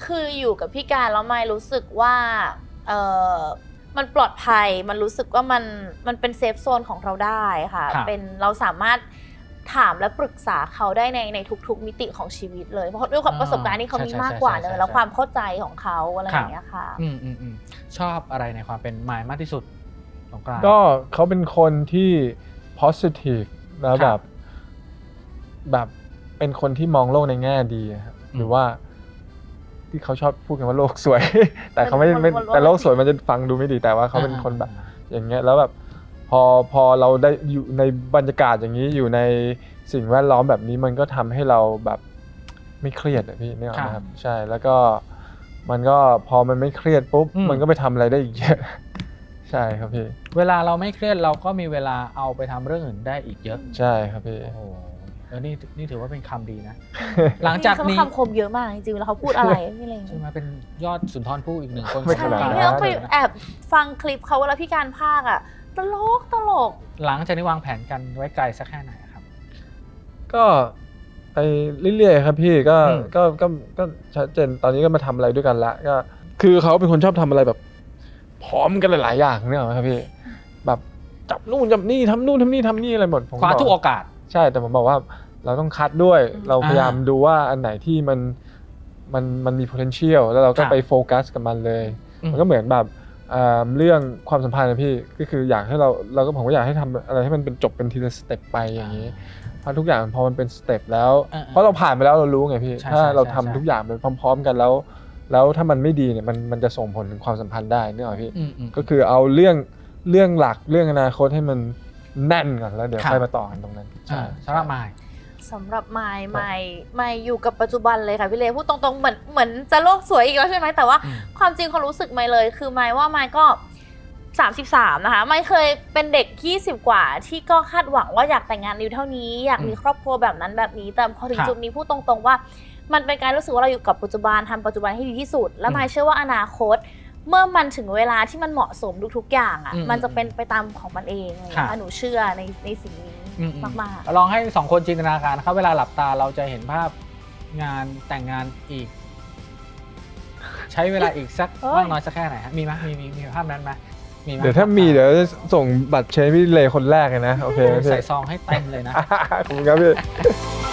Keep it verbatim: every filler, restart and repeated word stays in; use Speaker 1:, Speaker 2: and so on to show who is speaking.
Speaker 1: คืออยู่กับพี่การแล้วไม่รู้สึกว่าเออมันปลอดภัยมันรู้สึกว่ามันมันเป็นเซฟโซนของเราได้ค่ะเป็นเราสามารถถามและปรึกษาเขาได้ในในทุกๆมิติของชีวิตเลยเพราะด้วยความประสบการณ์ที่เขามีมากกว่าเนอะแล้วความเข้าใจของเขาอะไรอย่างเงี้ยค่ะ
Speaker 2: อืมอืมอืมชอบอะไรในความเป็นมายมากที่สุดสงกรานต์
Speaker 3: ก็เขาเป็นคนที่ positive แล้วแบบแบบเป็นคนที่มองโลกในแง่ดีครับหรือว่าที่เขาชอบพูดกันว่าโลกสวย แต่เขาไม่ไม่แต่โลกสวยมันจะฟังดูไม่ดีแต่ว่าเขาเป็นคนแบบอย่างเงี้ยแล้วแบบพอพอเราได้อยู่ในบรรยากาศอย่างนี้อยู่ในสิ่งแวดล้อมแบบนี้มันก็ทำให้เราแบบไม่เครียดอะพี่เนี่ยนะครับใช่แล้วก็มันก็พอมันไม่เครียดปุ๊บมันก็ไปทำอะไรได้อีกเยอะใช่ครับพี่
Speaker 2: เวลาเราไม่เครียดเราก็มีเวลาเอาไปทำเรื่องอื่นได้อีกเยอะ
Speaker 3: ใช่ครับพี่
Speaker 2: โอ้โหเออนี่นี่ถือว่าเป็นคำดีนะหลังจากนี้
Speaker 1: คำคมเยอะมากจริงๆแล้วเขาพูดอะไรนี่อะไร
Speaker 2: ใช่ไหมเป็นยอดสุนทรภู่อีกหนึ่งคน
Speaker 1: ใช่ที่ต้องไปแอบฟังคลิปเขาเวลาพี่การพากย์อ่ะตลกตลก
Speaker 2: หลังจากนี้วางแผนกันไว้ไกลสักแค่ไหนครับ
Speaker 3: ก็ไปเรื่อยๆครับพี่ก็ก็ก็ก็ชัดเจนตอนนี้ก็มาทำอะไรด้วยกันละก็คือเขาเป็นคนชอบทำอะไรแบบพร้อมกันหลายๆอย่างเนี่ยครับพี่แบบจับนู่นจับนี่ทำนู่นทำนี่ทำนี่อะไรหมด
Speaker 2: คว้าทุกโอกาส
Speaker 3: ใช่แต่ผมบอกว่าเราต้องคัดด้วยเราพยายามดูว่าอันไหนที่มันมันมันมี potential แล้วเราก็ไปโฟกัสกับมันเลยมันก็เหมือนแบบเรื่องความสัมพันธ์นะพี่ก็คืออยากให้เราเราก็ผมก็อยากให้ทำอะไรให้มันเป็นจบเป็นทีละสเต็ปไปอย่างนี้เพราะทุกอย่างพอมันเป็นสเต็ปแล้วเพราะเราผ่านไปแล้วเรารู้ไงพี่ถ้าเราทำทุกอย่างไปพร้อมๆกันแล้วแล้วถ้ามันไม่ดีเนี่ยมันมันจะส่งผลถึงความสัมพันธ์ได้เนี่ยหรอพี่ก็คือเอาเรื่องเรื่องหลักเรื่องอนาคตให้มันแน่นก่อนแล้วเดี๋ยวค่อยมาต่อกันตรงนั้น
Speaker 2: ใช่สำหรับมาย
Speaker 1: สำหรับมายมายมายอยู่กับปัจจุบันเลยค่ะพี่เลพูดตรงๆเหมือนเหมือนจะโลกสวยอีกแล้วใช่ไหมแต่ว่าความจริงความรู้สึกมายเลยคือมายว่ามายก็สามสิบสามนะคะมายเคยเป็นเด็กยี่สิบกว่าที่ก็คาดหวังว่าอยากแต่งงานอยู่เท่านี้อยากมีครอบครัวแบบนั้นแบบนี้แต่พอถึงจุดนี้พูดตรงๆว่ามันเป็นการรู้สึกว่าเราอยู่กับปัจจุบันทำปัจจุบันให้ดีที่สุดและมายเชื่อว่าอนาคตเมื่อมันถึงเวลาที่มันเหมาะสมทุกๆอย่างอ่ะมันจะเป็นไปตามของมันเองนะคะหนูเชื่อในในสิ่งนี้มาก
Speaker 2: ๆลองให้สองคนจินตนาการนะครับเวลาหลับตาเราจะเห็นภาพงานแต่งงานอีกใช้เวลาอีกสักมากน้อยสักแค่ไหนฮะมีไหมมีมีมีภาพนั้นไหมมี
Speaker 3: เดี๋ยวถ้ามีเดี๋ยวจะส่งบัตรเชฟพี่เลคนแรกเลยนะโอเค
Speaker 2: ใส่ซองให้เต็มเลยนะ
Speaker 3: ขอบคุณครับพี่